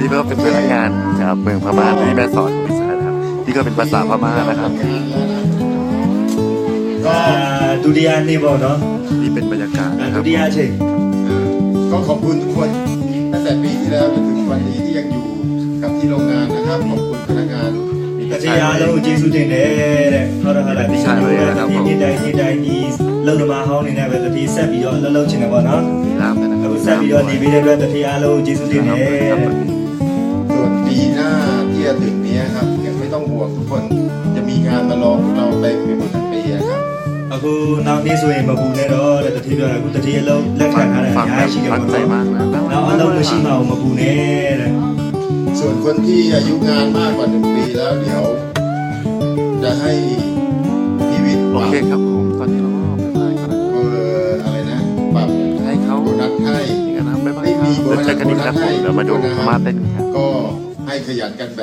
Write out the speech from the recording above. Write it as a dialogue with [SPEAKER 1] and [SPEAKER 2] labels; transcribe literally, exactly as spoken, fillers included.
[SPEAKER 1] นี่ก็เป็นพนักงานจากเมืองพม่าที่แม่สอดของฉันนะครับนี่ก็เป็นภาษาพม่านะครับ
[SPEAKER 2] ก็ดูดีอันนี้บอกเนาะ
[SPEAKER 1] นี่เป็นบรรยากาศนะค
[SPEAKER 2] ดู
[SPEAKER 1] รับ
[SPEAKER 2] ดีอันเช่
[SPEAKER 3] ก็ขอบคุณทุกคนตั้งแต่ปีที่แล้วจนถึงวันนี้ที่ยังอยู่กับที่โรงงานนะครับขอบคุณพนักงาน
[SPEAKER 2] တတိယအလုံးကျေးဇူးတင်တယ်တဲ့ဟုတ်တယ်ဟုတ်လားဒီလိုပဲတတိယနေ့တိုင်းနေ့တိုင်းဒီလုံသမားဟောင်းနေနဲ့ပဲတတိယဆက်ပြီးတော့လှုပ်လှုပ်ချင်တယ်ပေါ့နော်
[SPEAKER 1] มีล่ามด้วยนะ
[SPEAKER 2] အခုဆက်ပြီးတော့နေပြီးတဲ့အတွက်တတိယအလုံးကျေးဇူးတင်တယ်
[SPEAKER 3] ส่วนปีหน้าที่จะถึงนี้ครับยังไม่ต้องห่วงทุกคนจะมีงานมารอพวกเราเต็มไปหมดทั้งปีอะครับ
[SPEAKER 2] အခုနောက်နေ့ဆိုရင်မပူနဲ့တော့တဲ့တတိယပြောတာအခုတတိယအလုံးလက်ခံထားတယ်အ
[SPEAKER 1] ฟัง
[SPEAKER 2] များ
[SPEAKER 1] แบบ
[SPEAKER 2] ကြီးရှိတယ်
[SPEAKER 1] ตั้
[SPEAKER 2] ပေါ့
[SPEAKER 1] งใจ
[SPEAKER 2] နော်
[SPEAKER 1] มากนะ
[SPEAKER 2] နောက်အလုံးမရှိမှမပူနဲ့တဲ့
[SPEAKER 3] ส่วนคนที่อายุงานมากกว่าหนึ่งปีแล้วเดี๋ยว จะให้พีวิทย์
[SPEAKER 1] โอ
[SPEAKER 3] ปรับ
[SPEAKER 1] เคครับผมตอนนี้เราก็ไปไปกัน
[SPEAKER 3] เอออะไรนะปรับ
[SPEAKER 1] ให้เขา
[SPEAKER 3] โบนัสให้
[SPEAKER 1] อย่างนั้นนะบ๊ายบายครับเดี๋ยวเจอกันอีกครับผมเดี๋ยวมาดูพม่าเต้นกันครับ
[SPEAKER 3] ก็ให้ขยันกันแบบ